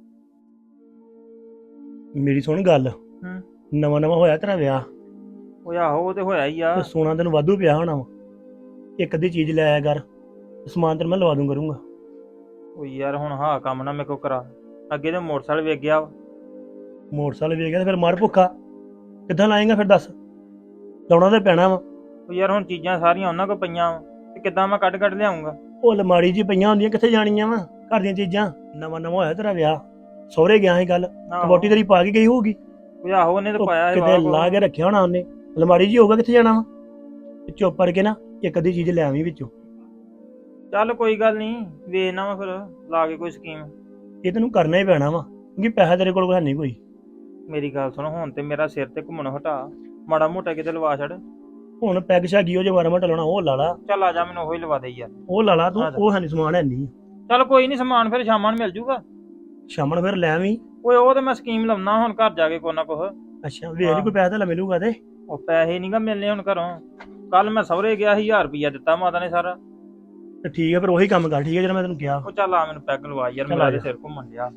ਮੇਰੀ ਸੁਣ ਗੱਲ। ਨਵਾਂ ਨਵਾਂ ਹੋਇਆ ਤੇਰਾ ਵਿਆਹ,
ਉਹ ਆਹੋ ਉਹ ਤੇ ਹੋਇਆ ਹੀ ਆ।
ਤੇ ਸੋਨਾ ਤੈਨੂੰ ਵਾਧੂ ਪਿਆ ਹੋਣਾ ਵਾ। ਇੱਕ ਅੱਧੀ ਚੀਜ਼ ਲੈ ਆਇਆ ਕਰ, ਸਮਾਨ ਤੈਨੂੰ ਮੈਂ ਲਵਾ ਦੂੰ ਕਰੂੰਗਾ।
ਉਹ ਯਾਰ ਹੁਣ ਹਾਂ ਕੰਮ ਨਾ ਮੇਰੇ ਕੋ ਕਰਾ। ਅੱਗੇ ਤੇ ਮੋਟਰਸਾਈਕਲ ਵੇਚ ਗਿਆ ਵਾ।
ਮੋਟਰਸਾਈਕਲ ਵੇਚ ਗਿਆ ਤੇ ਫਿਰ ਮਰ ਭੁੱਖਾ ਕਿੱਦਾਂ ਲਾਏਗਾ? ਫਿਰ ਦੱਸ, ਲਾਉਣਾ ਤੇ ਪੈਣਾ ਵਾ।
ਉਹ ਯਾਰ ਹੁਣ ਚੀਜ਼ਾਂ ਸਾਰੀਆਂ ਉਹਨਾਂ ਕੋਲ ਪਈਆਂ ਵਾ ਤੇ ਕਿੱਦਾਂ ਮੈਂ ਕੱਢ ਲਿਆਉਂਗਾ?
ਉਹ ਅਲਮਾਰੀ 'ਚ ਪਈਆਂ ਹੁੰਦੀਆਂ, ਕਿੱਥੇ ਜਾਣੀਆਂ ਵਾ ਘਰ ਦੀਆਂ ਚੀਜ਼ਾਂ? ਨਵਾਂ ਨਵਾਂ ਹੋਇਆ ਤੇਰਾ ਵਿਆਹ, ਸਹੁਰੇ ਗਿਆ ਸੀ ਕੱਲ, ਵੋਟੀ ਤੇਰੀ ਪਾ ਕੇ ਗਈ ਹੋਊਗੀ।
ਉਹ ਆਹੋ ਉਹਨੇ ਤਾਂ ਪਾਇਆ ਸੀ
ਕਿਤੇ
ਵਾਹ
ਲਾ ਕੇ ਰੱਖਿਆ ਹੋਣਾ ਉਹਨੇ, ਅਲਮਾਰੀ 'ਚ ਹੀ ਹੋਊਗਾ, ਕਿੱਥੇ ਜਾਣਾ ਵਾ? ਚੁੱਪ ਕਰਕੇ ਨਾ ਇੱਕ ਅੱਧੀ ਚੀਜ਼ ਲੈ ਆਵੀਂ ਵਿੱਚੋਂ।
ਚੱਲ ਕੋਈ ਗੱਲ ਨਹੀਂ, ਵੇਚਣਾ ਵਾ ਫਿਰ ਲਾ ਕੇ ਕੋਈ ਸਕੀਮ।
ਇਹ ਤੈਨੂੰ ਕਰਨਾ ਹੀ ਪੈਣਾ ਵਾ, ਕਿਉਂਕਿ ਪੈਸਾ ਤੇਰੇ ਕੋਲ ਹੈ ਨਹੀਂ ਕੋਈ।
ਮੇਰੀ ਗੱਲ ਸੁਣ, ਹੁਣ ਤੇ ਮੇਰਾ ਸਿਰ ਤੇ ਘੁੰਮਣ ਹਟਾ, ਮਾੜਾ ਮੋਟਾ ਕਿਤੇ ਲਵਾ ਛੱਡ।
ਹੁਣ ਪੈਗ ਛਾਗੀ ਉਹ ਜੇ ਮਾਰਾ ਮਟਾ ਲਾਉਣਾ ਉਹ ਲਾ ਲਾ।
ਚੱਲ ਆ ਜਾ, ਮੈਨੂੰ ਉਹੀ ਲਵਾ ਦੇ ਯਾਰ।
ਉਹ ਲਾ ਲਾ ਤੂੰ, ਉਹ ਹੈ ਨਹੀਂ ਸਮਾਨ ਹੈ ਨਹੀਂ।
ਚੱਲ ਕੋਈ ਨਹੀਂ, ਸਮਾਨ ਫਿਰ ਸ਼ਾਮਾਂ ਨੂੰ ਮਿਲ ਜੂਗਾ।
ਸ਼ਾਮਣ ਫਿਰ ਲੈ ਆਵੀਂ,
ਓਏ ਉਹ ਤੇ ਮੈਂ ਸਕੀਮ ਲਾਉਣਾ ਹੁਣ ਘਰ ਜਾ ਕੇ ਕੋਈ ਨਾ ਕੁਛ।
ਅੱਛਾ ਵੇਖ ਲਈ ਕੋਈ ਪੈਸਾ ਤਾਂ ਮਿਲੂਗਾ ਤੇ।
ਉਹ ਪੈਸੇ ਨਹੀਂਗਾ ਮਿਲਨੇ ਹੁਣ ਘਰੋਂ। ਕੱਲ ਮੈਂ ਸਹੁਰੇ ਗਿਆ 1000 ਰੁਪਇਆ ਦਿੱਤਾ ਮਾਤਾ ਨੇ ਸਾਰਾ।
ਤੇ ਠੀਕ ਹੈ ਫਿਰ ਉਹੀ ਕੰਮ ਕਰ, ਠੀਕ ਹੈ ਜਿਹੜਾ ਮੈਂ ਤੈਨੂੰ ਕਿਹਾ।
ਉਹ ਚੱਲ ਆ ਮੈਨੂੰ ਪੈਗ ਲਵਾ ਯਾਰ,
ਚੱਲ
ਮੇਰਾ
ਆ
ਤੇ
ਜਾ।
ਸਿਰ ਘੁੰਮਣ ਡਿਆ।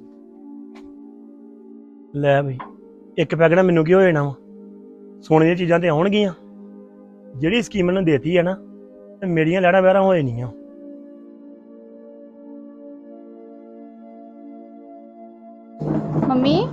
ਲੈ ਬਈ, ਇੱਕ ਪੈਗ ਨਾਲ ਮੈਨੂੰ ਕੀ ਹੋ ਜਾਣਾ ਵਾ, ਸੋਨੇ ਦੀਆਂ ਚੀਜ਼ਾਂ ਤੇ ਆਉਣਗੀਆਂ। ਜਿਹੜੀ ਸਕੀਮ ਮੈਨੂੰ ਦੇਤੀ ਹੈ ਨਾ, ਤੇ ਮੇਰੀਆਂ ਲੈਣਾ ਬਹਿਰਾਂ ਹੋ ਜਾਣੀਆਂ।
ਮੰਮੀ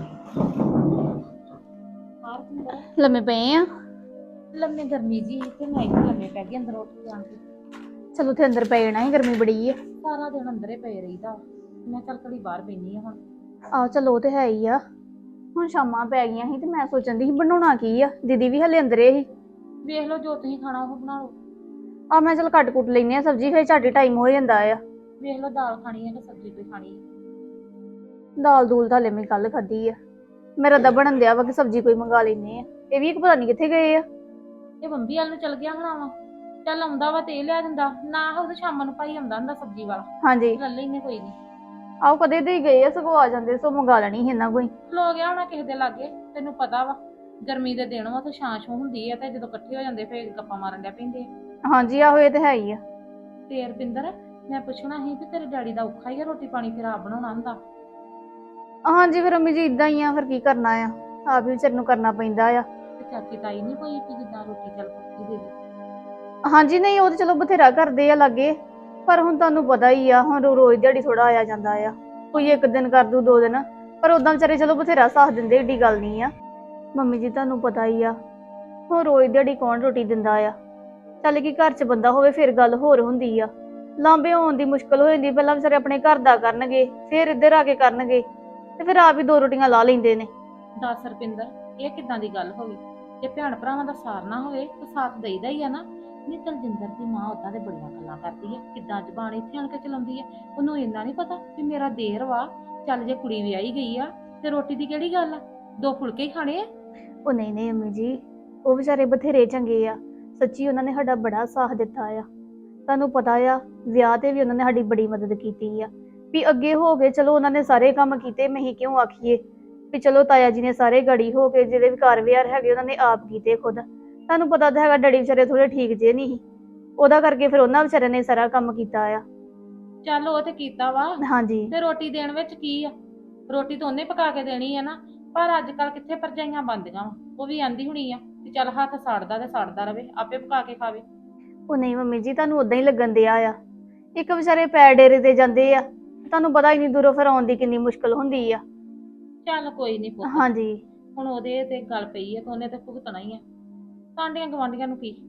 ਲੰਮੇ ਪਏ ਆ।
ਲੰਮੇ ਗਰਮੀ ਜੀ ਤੇ ਮੈਂ ਹੀ ਲੰਮੇ ਪੈ ਗਈ ਅੰਦਰ ਉੱਠ ਕੇ ਆਣ ਕੇ।
ਚਲੋ ਤੇ ਅੰਦਰ ਪੈ ਜਾਣਾ ਸੀ, ਗਰਮੀ ਬੜੀ ਆ।
ਸਾਰਾ ਦਿਨ ਅੰਦਰੇ ਪਏ ਰਹੀਦਾ। ਮੈਂ ਚੱਲ ਘੜੀ ਬਾਹਰ ਬੈਣੀ ਆ ਹੁਣ।
ਆਹ ਚਲੋ ਉਹ ਤੇ ਹੈ ਹੀ ਆ। ਹੁਣ ਸ਼ਾਮਾਂ ਪੈ ਗਈਆਂ ਸੀ ਤੇ ਮੈਂ ਸੋਚਣ ਦੀ ਸੀ ਬਣਾਉਣਾ ਕੀ ਆ। ਦੀਦੀ ਵੀ ਹਲੇ ਅੰਦਰੇ ਸੀ।
ਵੇਖ ਲਓ ਜੋ ਤੁਸੀਂ ਖਾਣਾ ਉਹ ਬਣਾ ਲਓ।
ਆ ਮੈਂ ਚਲ ਕੱਟ ਕੁੱਟ ਲੈਨੇ ਆ ਸਬਜ਼ੀ, ਫਿਰ ਝਾਟੀ ਟਾਈਮ ਹੋ ਜਾਂਦਾ ਆ।
ਵੇਖ ਲਓ ਦਾਲ ਖਾਣੀ ਹੈ ਕਿ ਸਬਜ਼ੀ ਕੋਈ ਖਾਣੀ ਹੈ।
ਦਾਲ ਦੂਲ ਤਾਂ ਹਲੇ ਮੈਂ ਕੱਲ ਖਾਧੀ ਆ। ਮੇਰਾ ਤਾਂ ਬਣਨ ਦਿਆ ਵਾ ਕਿ ਸਬਜ਼ੀ ਕੋਈ ਮੰਗਾ ਲੈਨੇ ਆ। ਇਹ ਵੀ ਇੱਕ ਪਤਾ ਨਹੀਂ ਕਿੱਥੇ ਗਏ ਆ।
ਇਹ ਬੰਬੀ ਵਾਲ ਨੂੰ ਚਲ ਗਿਆ ਹੋਣਾ ਵਾ। ਚੱਲ ਆਉਂਦਾ ਵਾ ਤੇ ਇਹ ਲਿਆ ਦਿੰਦਾ ਨਾ, ਉਹ ਸ਼ਾਮਾਂ ਨੂੰ ਭਾਈ ਆਉਂਦਾ ਹੁੰਦਾ ਸਬਜ਼ੀ ਵਾਲਾ,
ਹਾਂਜੀ
ਲੈ ਲੈਨੇ ਕੋਈ ਨਹੀਂ।
ਆਓ ਕਦੇ ਦੇ ਹੀ ਗਏ ਆ, ਸਗੋਂ ਆ ਜਾਂਦੇ ਸੋ ਮੰਗਾ ਲੈਣੀ ਸੀ ਇਹਨਾਂ ਕੋਈ।
ਖਲੋ ਗਿਆ ਹੋਣਾ ਕਿਸੇ ਦੇ ਲਾਗੇ। ਤੈਨੂੰ ਪਤਾ ਵਾ ਗਰਮੀ ਦੇ ਦਿਨ ਵਾ ਤੇ ਛਾਂ ਛੂੰ ਹੁੰਦੀ ਆ, ਤੇ ਜਦੋਂ ਇਕੱਠੇ ਹੋ ਜਾਂਦੇ ਫੇਰ ਗੱਪਾਂ ਮਾਰਨ ਡਿਆ ਪੈਂਦੇ ਆ।
ਹਾਂਜੀ ਆਹੋ ਇਹ ਤੇ ਹੈ ਹੀ ਆ।
ਤੇ ਰਪਿੰਦਰ, ਮੈਂ ਪੁੱਛਣਾ ਸੀ ਕਿ ਤੇਰੇ ਡੈਡੀ ਦਾ ਔਖਾ ਹੀ ਆ ਰੋਟੀ ਪਾਣੀ ਫਿਰ ਆਪ ਬਣਾਉਣਾ ਹੁੰਦਾ।
ਹਾਂਜੀ ਫਿਰ ਅੰਮੀ ਜੀ ਇਦਾਂ ਹੀ ਆ, ਫਿਰ ਕੀ ਕਰਨਾ ਆ, ਆਪ ਵੀ ਵਿਚਾਰ ਨੂੰ ਕਰਨਾ ਪੈਂਦਾ ਆ।
ਤੇ ਚਾਚੀ ਤਾਈ ਨਹੀਂ ਕੋਈ ਵੀ ਜਿੱਦਾਂ ਰੋਟੀ ਚੱਲ ਪੱਕੀ ਦੇ ਦੇ।
ਹਾਂਜੀ ਨਹੀਂ ਉਹ ਤੇ ਚਲੋ ਬਥੇਰਾ ਕਰਦੇ ਆ ਲਾਗੇ, ਪਰ ਹੁਣ ਤੁਹਾਨੂੰ ਪਤਾ ਹੀ ਆ ਹੁਣ ਰੋਜ਼ ਦਿਹਾੜੀ ਥੋੜਾ ਆਇਆ ਜਾਂਦਾ ਆ। ਕੋਈ ਇੱਕ ਦਿਨ ਕਰ ਦੂ 2 ਦਿਨ, ਪਰ ਉਦਾਂ ਵਿਚਾਰੇ ਚਲੋ ਬਥੇਰਾ ਸਾਥ ਦਿੰਦੇ, ਏਡੀ ਗੱਲ ਨਹੀਂ ਆ। ਮੰਮੀ ਜੀ ਤੁਹਾਨੂੰ ਪਤਾ ਹੀ ਆ ਹੁਣ ਰੋਜ਼ ਦਿਹਾੜੀ ਕੌਣ ਰੋਟੀ ਦਿੰਦਾ ਆ। ਚੱਲ ਕੀ ਘਰ 'ਚ ਬੰਦਾ ਹੋਵੇ ਫਿਰ ਗੱਲ ਹੋਰ ਹੁੰਦੀ ਆ। ਲਾਂਬੇ ਹੋਣ ਦੀ ਮੁਸ਼ਕਲ ਹੋ ਜਾਂਦੀ, ਪਹਿਲਾਂ ਵਿਚਾਰੇ ਆਪਣੇ ਘਰ ਦਾ ਕਰਨਗੇ ਫਿਰ ਇੱਧਰ ਆ ਕੇ ਕਰਨਗੇ, ਤੇ ਫਿਰ ਆਪ ਹੀ 2 ਰੋਟੀਆਂ ਲਾ ਲੈਂਦੇ ਨੇ।
ਦੱਸ ਰਪਿੰਦਰ, ਇਹ ਕਿੱਦਾਂ ਦੀ ਗੱਲ ਹੋਵੇ? ਜੇ ਭੈਣ ਭਰਾਵਾਂ ਦਾ ਸਾਰ ਨਾ ਹੋਵੇ ਤਾਂ ਸਾਥ ਦੇਈਦਾ ਹੀ ਆ ਨਾ। ਨਹੀਂ ਦਲਜਿੰਦਰ ਦੀ ਮਾਂ ਉਦਾਂ ਦੇ ਬੜੀਆਂ ਗੱਲਾਂ ਕਰਦੀ ਆ, ਕਿੱਦਾਂ ਜ਼ਬਾਨ ਇੱਥੇ ਆਣ ਕੇ ਚਲਾਉਂਦੀ ਆ। ਉਹਨੂੰ ਇੰਨਾ ਨਹੀਂ ਪਤਾ ਵੀ ਮੇਰਾ ਦੇਰ ਵਾ। ਚੱਲ ਜੇ ਕੁੜੀ ਵਿਆਹੀ ਗਈ ਆ ਤੇ ਰੋਟੀ ਦੀ ਕਿਹੜੀ ਗੱਲ ਆ, 2 ਫੁਲਕੇ ਹੀ ਖਾਣੇ ਆ।
ਉਹ ਨਹੀਂ ਨਹੀਂ ਅੰਮੀ ਜੀ, ਉਹ ਵਿਚਾਰੇ ਬਥੇਰੇ ਚੰਗੇ ਆ। ਸੱਚੀ ਉਹਨਾਂ ਨੇ ਸਾਡਾ ਬੜਾ ਸਾਥ ਦਿੱਤਾ ਆ। ਤੁਹਾਨੂੰ ਪਤਾ ਆ ਵਿਆਹ ਤੇ ਵੀ ਉਹਨਾਂ ਨੇ ਸਾਡੀ ਬੜੀ ਮਦਦ ਕੀਤੀ ਆ। ਵੀ ਅੱਗੇ ਹੋ ਗਏ ਚਲੋ ਉਹਨਾਂ ਨੇ ਸਾਰੇ ਕੰਮ ਕੀਤੇ, ਮੈਂ ਕਿਉਂ ਆਖੀਏ ਵੀ ਚਲੋ ਤਾਇਆ ਜੀ ਨੇ ਸਾਰੇ ਗੜੀ ਹੋ ਕੇ ਜਿਹੜੇ ਵੀ ਘਰ ਵਿਹਾਰ ਹੈਗੇ ਉਹਨਾਂ ਨੇ ਆਪ ਕੀਤੇ ਖੁਦ। ਤੁਹਾਨੂੰ ਪਤਾ ਤਾਂ ਹੈਗਾ ਡੈਡੀ ਵਿਚਾਰੇ ਥੋੜੇ ਠੀਕ ਜੇ ਨਹੀਂ ਸੀ, ਉਹਦਾ ਕਰਕੇ ਫਿਰ ਉਹਨਾਂ ਵਿਚਾਰਿਆਂ ਨੇ ਸਾਰਾ ਕੰਮ ਕੀਤਾ ਆ।
ਚੱਲ ਉਹ ਤੇ ਕੀਤਾ ਵਾ,
ਹਾਂਜੀ
ਤੇ ਰੋਟੀ ਦੇਣ ਵਿੱਚ ਕੀ ਆ? ਰੋਟੀ ਤਾਂ ਉਹਨੇ ਪਕਾ ਕੇ ਦੇਣੀ ਆ ਨਾ। ਪਰ ਅੱਜ ਕੱਲ ਕਿੱਥੇ ਭਰਜਾਈਆਂ ਬਣਦੀਆਂ ਵਾ। ਉਹ ਵੀ ਆਂਦੀ ਹੁਣੀ ਆ ਕਿ ਚੱਲ ਹੱਥ ਸੜਦਾ ਤੇ ਸੜਦਾ ਰਵੇ, ਆਪੇ ਪਕਾ ਕੇ ਖਾਵੇ।
ਉਹ ਨਹੀਂ ਮੰਮੀ ਜੀ ਤੁਹਾਨੂੰ ਉਦਾਂ ਹੀ ਲੱਗਣ ਦਿਆ ਆ। ਇੱਕ ਵਿਚਾਰੇ ਪੈਰ ਡੇਰੇ ਤੇ ਜਾਂਦੇ ਆ, ਤੁਹਾਨੂੰ ਪਤਾ ਇੰਨੀ ਦੂਰੋਂ ਫਿਰ ਆਉਣ ਦੀ ਕਿੰਨੀ ਮੁਸ਼ਕਲ ਹੁੰਦੀ ਆ।
ਚੱਲ ਕੋਈ ਨਹੀਂ ਪੁੱਤ,
ਹਾਂਜੀ
ਹੁਣ ਉਹਦੇ ਤੇ ਗੱਲ ਪਈ ਆ ਤਾਂ ਉਹਨੇ ਤੇ ਭੁਗਤਣਾ ਹੀ ਆ। ਸਾਂਡੀਆਂ ਗਵਾਂਢੀਆਂ ਨੂੰ ਕੀ।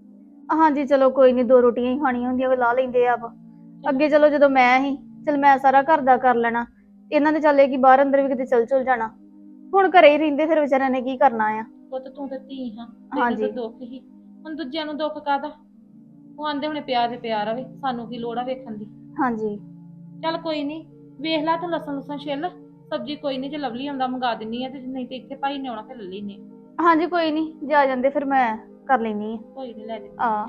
ਹਾਂਜੀ ਚਲੋ ਕੋਈ ਨਹੀਂ, 2 ਰੋਟੀਆਂ ਹੀ ਖਾਣੀਆਂ ਹੁੰਦੀਆਂ ਉਹ ਲਾ ਲੈਂਦੇ ਆਪ। ਅੱਗੇ ਚਲੋ ਜਦੋਂ ਮੈਂ ਹੀ ਚਲ ਮੈਂ ਸਾਰਾ ਘਰ ਦਾ ਕਰ ਲੈਣਾ, ਇਹਨਾਂ ਦੇ ਚੱਲੇ ਕਿ ਬਾਹਰ ਅੰਦਰ ਵੀ ਕਿਤੇ ਚਲ ਜਾਣਾ। ਹੁਣ ਘਰੇ ਹੀ ਰਹਿੰਦੇ ਫਿਰ ਵਿਚਾਰਿਆਂ ਨੇ ਕੀ ਕਰਨਾ ਆ।
ਪੁੱਤ ਤੂੰ ਤੇ ਧੀ ਹਾਂ, ਤੈਨੂੰ
ਹਾਂਜੀ
ਤਾਂ ਦੁੱਖ ਹੀ। ਹੁਣ ਦੂਜਿਆਂ ਨੂੰ ਦੁੱਖ ਕਾਹਦਾ? ਉਹ ਆਂਦੇ ਹੁਣੇ ਪਿਆਰ ਤੇ ਪਿਆਰ ਰਵੇ, ਸਾਨੂੰ ਕੀ ਲੋੜ ਆ ਵੇਖਣ ਦੀ।
ਹਾਂਜੀ
ਚੱਲ ਕੋਈ ਨਹੀਂ, ਵੇਖ ਲੈ ਤੂੰ ਲਸਣ ਲੁਸਣ ਛਿੱਲ। ਸਬਜ਼ੀ ਕੋਈ ਨਹੀਂ, ਜੇ ਲਵਲੀ ਆਉਂਦਾ ਮੰਗਾ ਦਿੰਨੀ ਆ, ਤੇ ਨਹੀਂ ਤੇ ਇੱਥੇ ਭਾਈ ਨੇ ਆਉਣਾ ਫਿਰ ਲੈ ਲੈਨੇ ਆ।
ਹਾਂਜੀ ਕੋਈ ਨਹੀਂ, ਜੇ ਆ ਜਾਂਦੇ ਫਿਰ ਮੈਂ ਕਰ ਲੈਣੀ ਆ।
ਕੋਈ ਨਹੀਂ ਲੈ ਦੇ।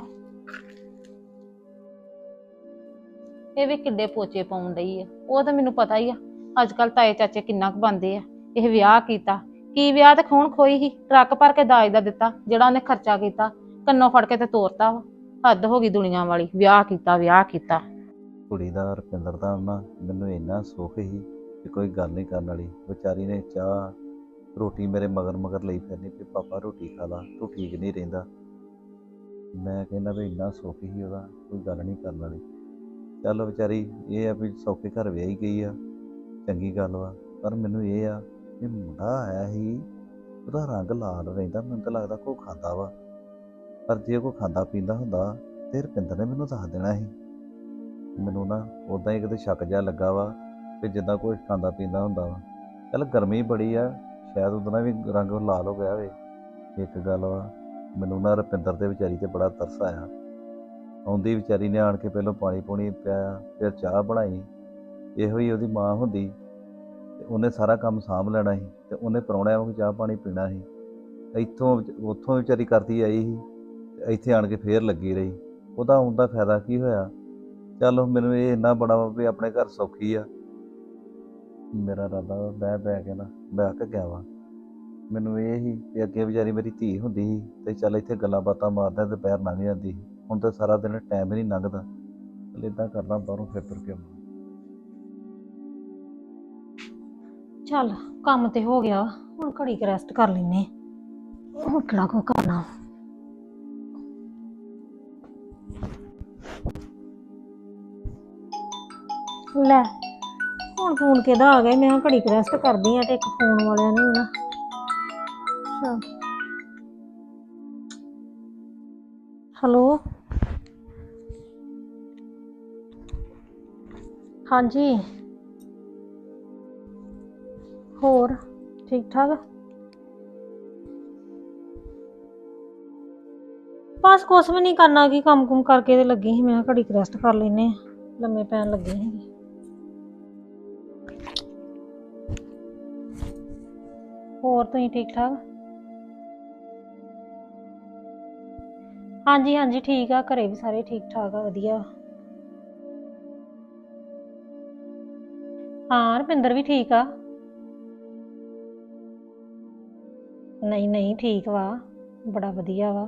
ਇਹ ਵੀ ਕਿੱਡੇ ਪੋਚੇ ਪਾਉਣ ਡਈ ਆ। ਉਹ ਤਾਂ ਮੈਨੂੰ ਪਤਾ ਹੀ ਆ ਅੱਜ ਕੱਲ ਤਾਏ ਚਾਚੇ ਕਿੰਨਾ ਕੁ ਬੰਦੇ ਆ। ਇਹ ਵਿਆਹ ਕੀਤਾ ਕੀ ਵਿਆਹ ਤੇ ਖੂਨ ਖੋਈ ਹੀ, ਟਰੱਕ ਭਰ ਕੇ ਦਾਜ ਦਾ ਦਿੱਤਾ ਜਿਹੜਾ ਉਹਨੇ ਖਰਚਾ ਕੀਤਾ, ਕੰਨੋਂ ਫੜ ਕੇ ਤੇ ਤੋਰਤਾ ਵਾ। ਹੱਦ ਹੋ ਗਈ ਦੁਨੀਆ ਵਾਲੀ, ਵਿਆਹ ਕੀਤਾ ਵਿਆਹ ਕੀਤਾ।
ਕੁੜੀ ਦਾ ਰੁਪਿੰਦਰ ਦਾ ਨਾ ਮੈਨੂੰ ਇੰਨਾ ਸੁੱਖ ਸੀ ਕਿ ਕੋਈ ਗੱਲ ਨਹੀਂ ਕਰਨ ਵਾਲੀ। ਵਿਚਾਰੀ ਨੇ ਚਾਹ ਰੋਟੀ ਮੇਰੇ ਮਗਰ ਮਗਰ ਲਈ ਫਿਰਨੀ ਵੀ ਪਾਪਾ ਰੋਟੀ ਖਾ ਲਾ, ਤੂੰ ਠੀਕ ਨਹੀਂ ਰਹਿੰਦਾ। ਮੈਂ ਕਹਿੰਦਾ ਵੀ ਇੰਨਾ ਸੁੱਖ ਸੀ ਉਹਦਾ, ਕੋਈ ਗੱਲ ਨਹੀਂ ਕਰਨ ਵਾਲੀ। ਚੱਲ ਵਿਚਾਰੀ ਇਹ ਆ ਵੀ ਸੌਖੇ ਘਰ ਵਿਆਹੀ ਗਈ ਆ, ਚੰਗੀ ਗੱਲ ਵਾ। ਪਰ ਮੈਨੂੰ ਇਹ ਆ ਕਿ ਮੁੰਡਾ ਆਇਆ ਸੀ, ਉਹਦਾ ਰੰਗ ਲਾਲ ਰਹਿੰਦਾ, ਮੈਨੂੰ ਤਾਂ ਲੱਗਦਾ ਕੋਈ ਖਾਂਦਾ ਵਾ। ਪਰ ਜੇ ਕੋਈ ਖਾਂਦਾ ਪੀਂਦਾ ਹੁੰਦਾ ਤੇ ਰੁਪਿੰਦਰ ਨੇ ਮੈਨੂੰ ਦੱਸ ਦੇਣਾ ਸੀ। ਮੈਨੂੰ ਨਾ ਉੱਦਾਂ ਹੀ ਕਿਤੇ ਸ਼ੱਕ ਜਿਹਾ ਲੱਗਾ ਵਾ ਕਿ ਜਿੱਦਾਂ ਕੋਈ ਖਾਂਦਾ ਪੀਂਦਾ ਹੁੰਦਾ ਵਾ। ਚੱਲ ਗਰਮੀ ਬੜੀ ਆ, ਸ਼ਾਇਦ ਉਹਦਾ ਵੀ ਰੰਗ ਲਾਲ ਹੋ ਗਿਆ ਹੋਵੇ। ਇੱਕ ਗੱਲ ਵਾ, ਮੈਨੂੰ ਨਾ ਰੁਪਿੰਦਰ ਦੇ ਵਿਚਾਰੀ ਤੇ ਬੜਾ ਤਰਸ ਆਇਆ। ਆਉਂਦੀ ਵਿਚਾਰੀ ਨੇ ਆਣ ਕੇ ਪਹਿਲਾਂ ਪਾਣੀ ਪੂਣੀ ਪਿਆਇਆ, ਫਿਰ ਚਾਹ ਬਣਾਈ। ਇਹੋ ਹੀ ਉਹਦੀ ਮਾਂ ਹੁੰਦੀ ਤੇ ਉਹਨੇ ਸਾਰਾ ਕੰਮ ਸਾਂਭ ਲੈਣਾ ਸੀ, ਤੇ ਉਹਨੇ ਪ੍ਰਾਹੁਣਿਆਂ ਵਾਂਗ ਚਾਹ ਪਾਣੀ ਪੀਣਾ ਸੀ। ਇੱਥੋਂ ਉੱਥੋਂ ਵਿਚਾਰੀ ਕਰਦੀ ਆਈ ਸੀ ਤੇ ਇੱਥੇ ਆਣ ਕੇ ਫੇਰ ਲੱਗੀ ਰਹੀ। ਉਹਦਾ ਆਉਣ ਦਾ ਫਾਇਦਾ ਕੀ ਹੋਇਆ? ਚੱਲ ਮੈਨੂੰ ਇਹ ਇੰਨਾ ਬੜਾ ਵਾ ਵੀ ਆਪਣੇ ਘਰ ਸੌਖੀ ਆ। ਮੇਰਾ ਇਰਾਦਾ ਬਹਿ ਬਹਿ ਕੇ ਨਾ ਬਹਿ ਕੇ ਗਿਆ ਵਾ। ਮੈਨੂੰ ਇਹ ਸੀ ਕਿ ਅੱਗੇ ਵਿਚਾਰੀ ਮੇਰੀ ਧੀ ਹੁੰਦੀ ਸੀ ਤੇ ਚੱਲ ਇੱਥੇ ਗੱਲਾਂ ਬਾਤਾਂ ਮਾਰਦਾ ਤੇ ਪੈਰ ਲੰਘ ਜਾਂਦੀ ਸੀ। ਹੁਣ ਤਾਂ ਸਾਰਾ ਦਿਨ ਟਾਈਮ ਹੀ ਨਹੀਂ ਲੰਘਦਾ। ਚੱਲ ਏਦਾਂ ਕਰਦਾ ਬਾਹਰੋਂ ਫਿਰ ਤੁਰ ਕੇ ਆਉਣਾ।
ਚੱਲ ਕੰਮ ਤੇ ਹੋ ਗਿਆ, ਹੁਣ ਘੜੀ ਕੁ ਰੈਸਟ ਕਰ ਲੈਨੇ, ਹੁਣ ਕਿਹੜਾ ਕੋ ਕਰਨਾ। ਲੈ ਹੁਣ ਫੋਨ ਕਿਹਦਾ ਆ ਗਿਆ, ਮੈਂ ਕਿਹਾ ਘੜੀ ਕੁ ਰੈਸਟ ਕਰਦੀ ਆ ਤੇ ਇੱਕ ਫੋਨ ਵਾਲਿਆਂ ਨੇ ਵੀ ਨਾ। ਹੈਲੋ ਹਾਂਜੀ, ਹੋਰ ਠੀਕ ਠਾਕ? ਬਸ ਕੁਛ ਵੀ ਨਹੀਂ ਕਰਨਾ, ਕੀ ਕੰਮ ਕੁਮ ਕਰਕੇ ਤੇ ਲੱਗੀ ਸੀ, ਮੈਂ ਕਿਹਾ ਘੜੀ ਕੁ ਰੈਸਟ ਕਰ ਲੈਨੇ, ਲੰਮੇ ਪੈਣ ਲੱਗੇ ਸੀ। ਹੋਰ ਤੁਸੀਂ ਠੀਕ ਠਾਕ? ਹਾਂਜੀ ਹਾਂਜੀ ਠੀਕ ਆ, ਘਰੇ ਵੀ ਸਾਰੇ ਠੀਕ ਠਾਕ ਆ, ਵਧੀਆ। ਹਾਂ ਰੁਪਿੰਦਰ ਵੀ ਠੀਕ ਆ। ਨਹੀਂ ਨਹੀਂ ਠੀਕ ਵਾ, ਬੜਾ ਵਧੀਆ ਵਾ।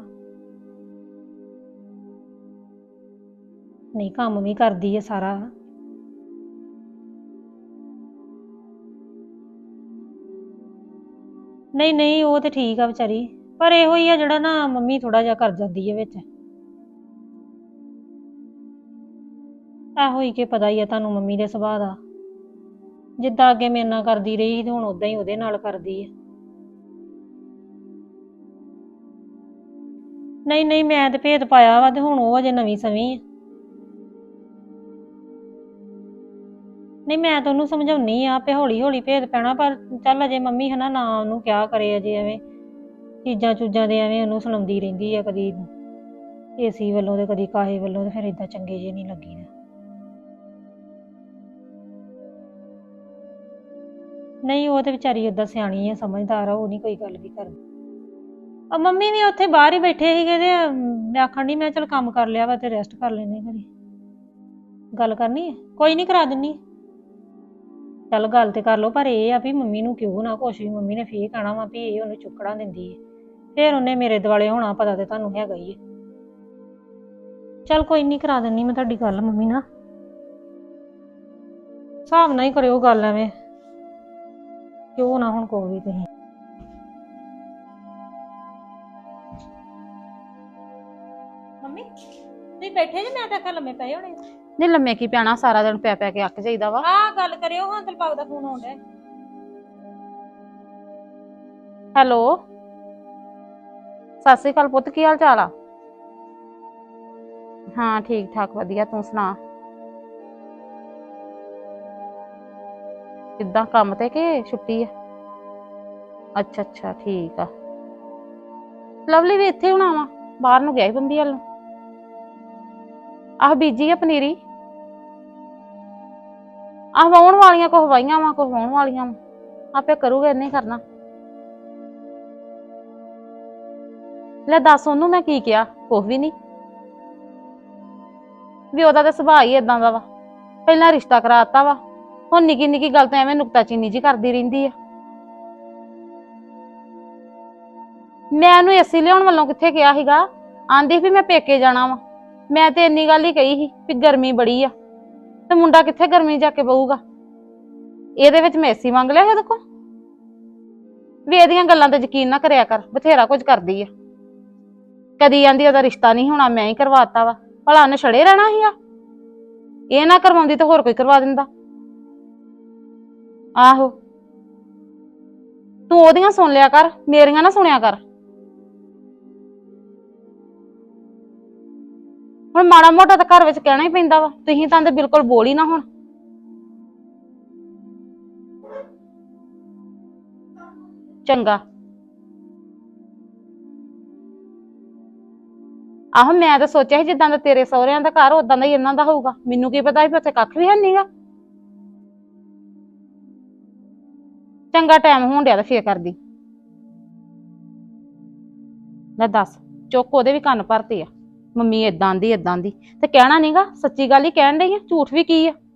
ਨਹੀਂ ਕੰਮ ਵੀ ਕਰਦੀ ਹੈ ਸਾਰਾ। ਨਹੀਂ ਨਹੀਂ ਉਹ ਤੇ ਠੀਕ ਆ ਵਿਚਾਰੀ, ਪਰ ਇਹੋ ਹੀ ਆ ਜਿਹੜਾ ਨਾ ਮੰਮੀ ਥੋੜਾ ਜਿਹਾ ਕਰ ਜਾਂਦੀ ਹੈ ਵਿੱਚ। ਇਹੋ ਹੀ ਕਿ ਪਤਾ ਹੀ ਆ ਤੁਹਾਨੂੰ ਮੰਮੀ ਦੇ ਸੁਭਾਅ ਦਾ, ਜਿੱਦਾਂ ਅੱਗੇ ਮੇਰੇ ਨਾਲ ਕਰਦੀ ਰਹੀ ਤੇ ਹੁਣ ਉਦਾਂ ਹੀ ਉਹਦੇ ਨਾਲ ਕਰਦੀ ਹੈ। ਨਹੀਂ ਨਹੀਂ ਮੈਂ ਤੇ ਭੇਦ ਪਾਇਆ ਵਾ, ਤੇ ਹੁਣ ਉਹ ਅਜੇ ਨਵੀਂ ਸਵੀਂ ਆ। ਨਹੀਂ ਮੈਂ ਤਾਂ ਉਹਨੂੰ ਸਮਝਾਉਣੀ ਆ ਆਪੇ ਹੌਲੀ ਹੌਲੀ ਭੇਦ ਪੈਣਾ, ਪਰ ਚੱਲ ਅਜੇ ਮੰਮੀ ਹਨਾ ਨਾ ਉਹਨੂੰ ਕਿਹਾ ਕਰੇ, ਅਜੇ ਐਵੇਂ ਚੀਜ਼ਾਂ ਚੂਜ਼ਾਂ ਦੇ ਐਵੇਂ ਉਹਨੂੰ ਸੁਣਾਉਂਦੀ ਰਹਿੰਦੀ ਆ, ਕਦੀ ਏਸੀ ਵੱਲੋਂ ਤੇ ਕਦੀ ਕਾਹੇ ਵੱਲੋਂ, ਤੇ ਫਿਰ ਏਦਾਂ ਚੰਗੇ ਜਿਹੇ ਨਹੀਂ ਲੱਗੀਦਾ। ਨਹੀਂ ਉਹ ਤੇ ਵਿਚਾਰੀ ਓਦਾਂ ਸਿਆਣੀ ਆ, ਸਮਝਦਾਰ ਆ, ਉਹ ਨਹੀਂ ਕੋਈ ਗੱਲ ਵੀ ਕਰਦੀ। ਆ ਮੰਮੀ ਵੀ ਉੱਥੇ ਬਾਹਰ ਹੀ ਬੈਠੇ ਸੀਗੇ, ਤੇ ਮੈਂ ਆਖਣ ਡਈ ਮੈਂ ਚਲ ਕੰਮ ਕਰ ਲਿਆ ਵਾ ਤੇ ਰੈਸਟ ਕਰ ਲੈਨੇ ਘੜੀ। ਗੱਲ ਕਰਨੀ ਹੈ, ਕੋਈ ਨਹੀਂ ਕਰਾ ਦਿੰਨੀ। ਚੱਲ ਗੱਲ ਤੇ ਕਰ ਲਓ, ਪਰ ਇਹ ਆ ਵੀ ਮੰਮੀ ਨੂੰ ਕਿਉਂ ਨਾ ਕੁਛ ਵੀ, ਮੰਮੀ ਨੇ ਫੇਰ ਕਹਿਣਾ ਵਾ ਵੀ ਇਹ ਉਹਨੂੰ ਚੁੱਕਣਾ ਦਿੰਦੀ ਹੈ, ਫੇਰ ਉਹਨੇ ਮੇਰੇ ਦੁਆਲੇ ਹੋਣਾ, ਪਤਾ ਤੇ ਤੁਹਾਨੂੰ ਹੈਗਾ ਹੀ ਹੈ। ਚੱਲ ਕੋਈ ਨਹੀਂ ਕਰਾ ਦਿੰਨੀ ਮੈਂ ਤੁਹਾਡੀ ਗੱਲ ਮੰਮੀ ਨਾਲ, ਹਿਸਾਬ ਨਾਲ ਹੀ ਕਰਿਓ ਗੱਲ, ਐਵੇਂ ਕਿਉਂ ਨਾ ਹੁਣ ਕੋਈ ਵੀ ਤੁਸੀਂ। ਮੰਮੀ ਤੁਸੀਂ ਬੈਠੇ ਜੇ, ਮੈਂ ਤਾਂ ਆਖਿਆ ਲੰਮੇ ਪਏ ਹੋਣੇ।
ਨਹੀਂ ਲੰਮੇ ਕੀ ਪੈਣਾ, ਸਾਰਾ ਦਿਨ ਪੈ ਪੈ ਕੇ ਅੱਕ ਜਾਈਦਾ ਵਾ।
ਆਹ ਗੱਲ ਕਰਿਓ, ਹਾਂ ਦਿਲਬਾਗ ਦਾ ਫੋਨ ਆਉਣ ਡਿਆ।
ਹੈਲੋ ਸਤਿ ਸ੍ਰੀ ਅਕਾਲ ਪੁੱਤ, ਕੀ ਹਾਲ ਚਾਲ ਆ? ਹਾਂ ਠੀਕ ਠਾਕ ਵਧੀਆ, ਤੂੰ ਸੁਣਾ? ਕਿੱਦਾਂ ਕੰਮ ਤੇ ਕਿ ਛੁੱਟੀ ਆ? ਅੱਛਾ ਅੱਛਾ ਠੀਕ ਆ। ਲਵਲੀ ਵੀ ਇੱਥੇ ਹੋਣਾ ਵਾ, ਬਾਹਰ ਨੂੰ ਗਿਆ ਸੀ ਬੰਬੀ ਵੱਲ ਨੂੰ। ਆਹ ਬੀਜੀ ਆ ਪਨੀਰੀ, ਆਹ ਵਾਹੁਣ ਵਾਲੀਆਂ ਕੁਛ ਵਾਹੀਆਂ ਵਾ, ਕੁਛ ਵਾਹੁਣ ਵਾਲੀਆਂ ਵਾ, ਆਪੇ ਕਰੂਗਾ, ਇਹਨੇ ਕਰਨਾ। ਲੈ ਦੱਸ ਉਹਨੂੰ ਮੈਂ ਕੀ ਕਿਹਾ, ਕੁਛ ਵੀ ਨਹੀਂ। ਵੀ ਉਹਦਾ ਤਾਂ ਸੁਭਾਅ ਹੀ ਏਦਾਂ ਦਾ ਵਾ, ਪਹਿਲਾਂ ਰਿਸ਼ਤਾ ਕਰਾਤਾ ਵਾ, ਹੁਣ ਨਿੱਕੀ ਨਿੱਕੀ ਗੱਲ ਤਾਂ ਐਵੇਂ ਨੁਕਤਾਚੀਨੀ ਜੀ ਕਰਦੀ ਰਹਿੰਦੀ ਆ। ਮੈਂ ਉਹਨੂੰ ਏਸੀ ਲਿਆਉਣ ਵੱਲੋਂ ਕਿੱਥੇ ਕਿਹਾ ਸੀਗਾ, ਆਂਦੀ ਵੀ ਮੈਂ ਪੇਕੇ ਜਾਣਾ ਵਾ, ਮੈਂ ਤੇ ਇੰਨੀ ਗੱਲ ਹੀ ਕਹੀ ਸੀ ਵੀ ਗਰਮੀ ਬੜੀ ਆ, ਤੇ ਮੁੰਡਾ ਕਿੱਥੇ ਗਰਮੀ ਜਾ ਕੇ ਬਹੂਗਾ, ਇਹਦੇ ਵਿੱਚ ਮੈਂ ਏਸੀ ਮੰਗ ਲਿਆ ਇਹਦੇ ਕੋਲ। ਵੀ ਇਹਦੀਆਂ ਗੱਲਾਂ ਤੇ ਯਕੀਨ ਨਾ ਕਰਿਆ ਕਰ, ਬਥੇਰਾ ਕੁਝ ਕਰਦੀ ਆ। ਕਦੀ ਆਂਦੀ ਉਹਦਾ ਰਿਸ਼ਤਾ ਨਹੀਂ ਹੋਣਾ, ਮੈਂ ਹੀ ਕਰਵਾਤਾ ਵਾ, ਭਲਾ ਉਹਨੇ ਛੜੇ ਰਹਿਣਾ ਸੀਗਾ, ਇਹ ਨਾ ਕਰਵਾਉਂਦੀ ਤਾਂ ਹੋਰ ਕੋਈ ਕਰਵਾ ਦਿੰਦਾ। ਆਹੋ ਤੂੰ ਉਹਦੀਆਂ ਸੁਣ ਲਿਆ ਕਰ, ਮੇਰੀਆਂ ਨਾ ਸੁਣਿਆ ਕਰ। ਹੁਣ ਮਾੜਾ ਮੋਟਾ ਤਾਂ ਘਰ ਵਿੱਚ ਕਹਿਣਾ ਹੀ ਪੈਂਦਾ ਵਾ, ਤੁਸੀਂ ਤਾਂ ਬਿਲਕੁਲ ਬੋਲ ਹੀ ਨਾ ਹੁਣ। ਚੰਗਾ ਆਹੋ ਮੈਂ ਤਾਂ ਸੋਚਿਆ ਸੀ ਜਿੱਦਾਂ ਦਾ ਤੇਰੇ ਸਹੁਰਿਆਂ ਦਾ ਘਰ ਉਦਾਂ ਦਾ ਹੀ ਇਹਨਾਂ ਦਾ ਹੋਊਗਾ, ਮੈਨੂੰ ਕੀ ਪਤਾ ਸੀ ਉੱਥੇ ਕੱਖ ਵੀ ਹੈ ਨਹੀਂਗਾ। ਚੰਗਾ ਟਾਈਮ ਹੋਣ ਡਿਆ ਤਾਂ ਫੇਰ ਕਰਦੀ। ਲੈ ਦੱਸ, ਚੁੱਕ ਉਹਦੇ ਵੀ ਕੰਨ ਭਰਤੇ ਆ, ਮੰਮੀ ਏਦਾਂ ਦੀ ਤੇ ਕਹਿਣਾ ਨਹੀਂਗਾ, ਸੱਚੀ ਗੱਲ ਹੀ ਕਹਿਣ ਡਈ ਆ, ਝੂਠ ਵੀ ਕੀ ਆ।